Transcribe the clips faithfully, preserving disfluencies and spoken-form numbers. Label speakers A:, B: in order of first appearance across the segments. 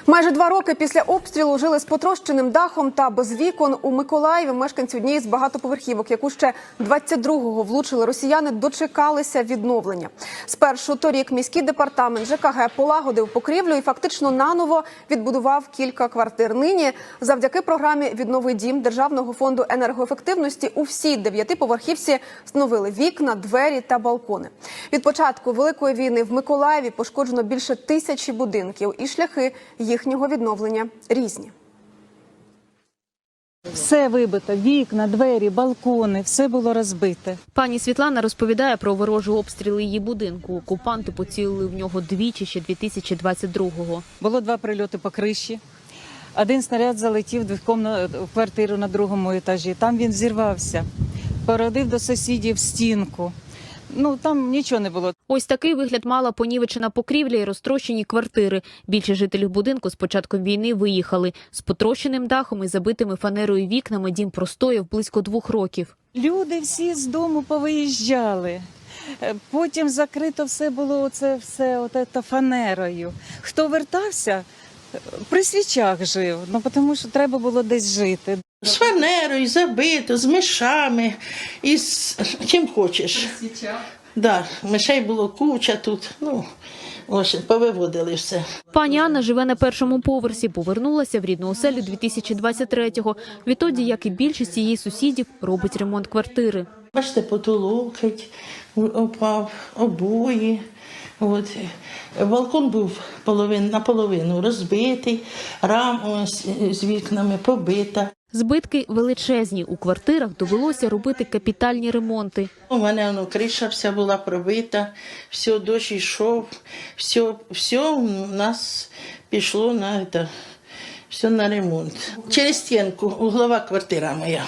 A: Майже два роки після обстрілу жили з потрощеним дахом та без вікон. У Миколаєві мешканці однієї з багатоповерхівок, яку ще двадцять другого влучили росіяни, дочекалися відновлення. Спершу торік міський департамент ЖКГ полагодив покрівлю і фактично наново відбудував кілька квартир. Нині завдяки програмі «Віднови дім» Державного фонду енергоефективності у всій дев'ятиповерхівці встановили вікна, двері та балкони. Від початку Великої війни в Миколаєві пошкоджено більше тисячі будинків, і шляхи їхнього відновлення різні.
B: Все вибито, вікна, двері, балкони, все було розбите.
C: Пані Світлана розповідає про ворожі обстріли її будинку. Окупанти поцілили в нього двічі ще дві тисячі двадцять другого.
B: Було два прильоти по криші. Один снаряд залетів в квартиру на другому етажі. Там він зірвався, породив до сусідів стінку. Ну, там нічого не було.
C: Ось такий вигляд мала понівечена покрівля і розтрощені квартири. Більшість жителів будинку з початком війни виїхали. З потрощеним дахом і забитими фанерою вікнами дім простояв близько двох років.
B: Люди всі з дому повиїжджали. Потім закрито все було оце все от фанерою. Хто вертався, при свічах жив, ну, тому що треба було десь жити.
D: З фанерою, забито, з мишами, і з чим хочеш. При свічах? Да, мишей було куча тут, ну, ось, повиводили все.
C: Пані Анна живе на першому поверсі, повернулася в рідну оселю дві тисячі двадцять третього. Відтоді, як і більшість її сусідів, робить ремонт квартири.
D: Бачите, потолок опав, обої. От. Балкон був половин, наполовину розбитий, рама з, з вікнами побита.
C: Збитки величезні. У квартирах довелося робити капітальні ремонти.
D: У мене воно, криша вся була пробита, все, дощ йшов, все, все у нас пішло на, це, все на ремонт. Через стінку, углова квартира моя,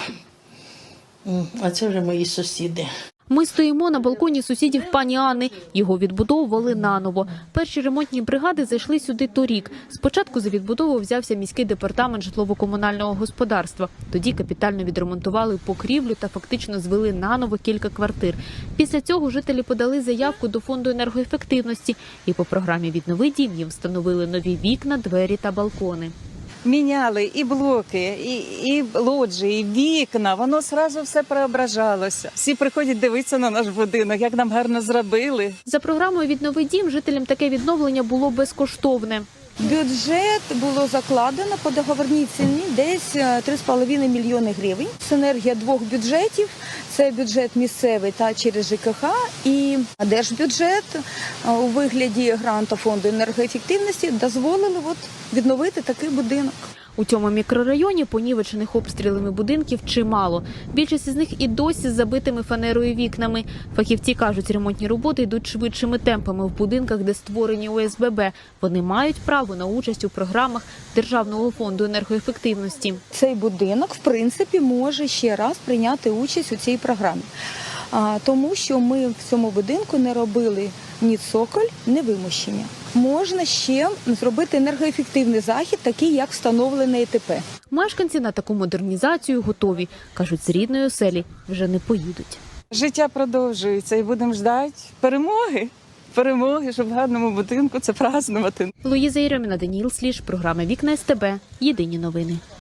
D: а це вже мої сусіди.
C: Ми стоїмо на балконі сусідів пані Анни. Його відбудовували наново. Перші ремонтні бригади зайшли сюди торік. Спочатку за відбудову взявся міський департамент житлово-комунального господарства. Тоді капітально відремонтували покрівлю та фактично звели наново кілька квартир. Після цього жителі подали заявку до фонду енергоефективності. І по програмі «Віднови дім» їм встановили нові вікна, двері та балкони.
B: Міняли і блоки, і, і лоджії, і вікна, воно одразу все преображалося. Всі приходять дивитися на наш будинок, як нам гарно зробили.
C: За програмою «Віднови дім» жителям таке відновлення було безкоштовне.
E: Бюджет було закладено по договорній ціні десь три з половиною мільйони гривень. Синергія двох бюджетів – це бюджет місцевий та через ЖКХ і держбюджет у вигляді гранту фонду енергоефективності дозволили от відновити такий будинок.
C: У цьому мікрорайоні понівечених обстрілами будинків чимало. Більшість із них і досі з забитими фанерою вікнами. Фахівці кажуть, ремонтні роботи йдуть швидшими темпами в будинках, де створені О С Б Б. Вони мають право на участь у програмах Державного фонду енергоефективності.
E: Цей будинок, в принципі, може ще раз прийняти участь у цій програмі. Тому що ми в цьому будинку не робили ні цоколь, ні вимощення. Можна ще зробити енергоефективний захід, такий як встановлений Е Т П.
C: Мешканці на таку модернізацію готові. Кажуть, з рідної оселі вже не поїдуть.
B: Життя продовжується і будемо чекати перемоги. Перемоги, щоб в гарному будинку це празднувати.
C: Луїза Єрьоміна, Даніїл Сліж, програма «Вікна С Т Б». Єдині новини.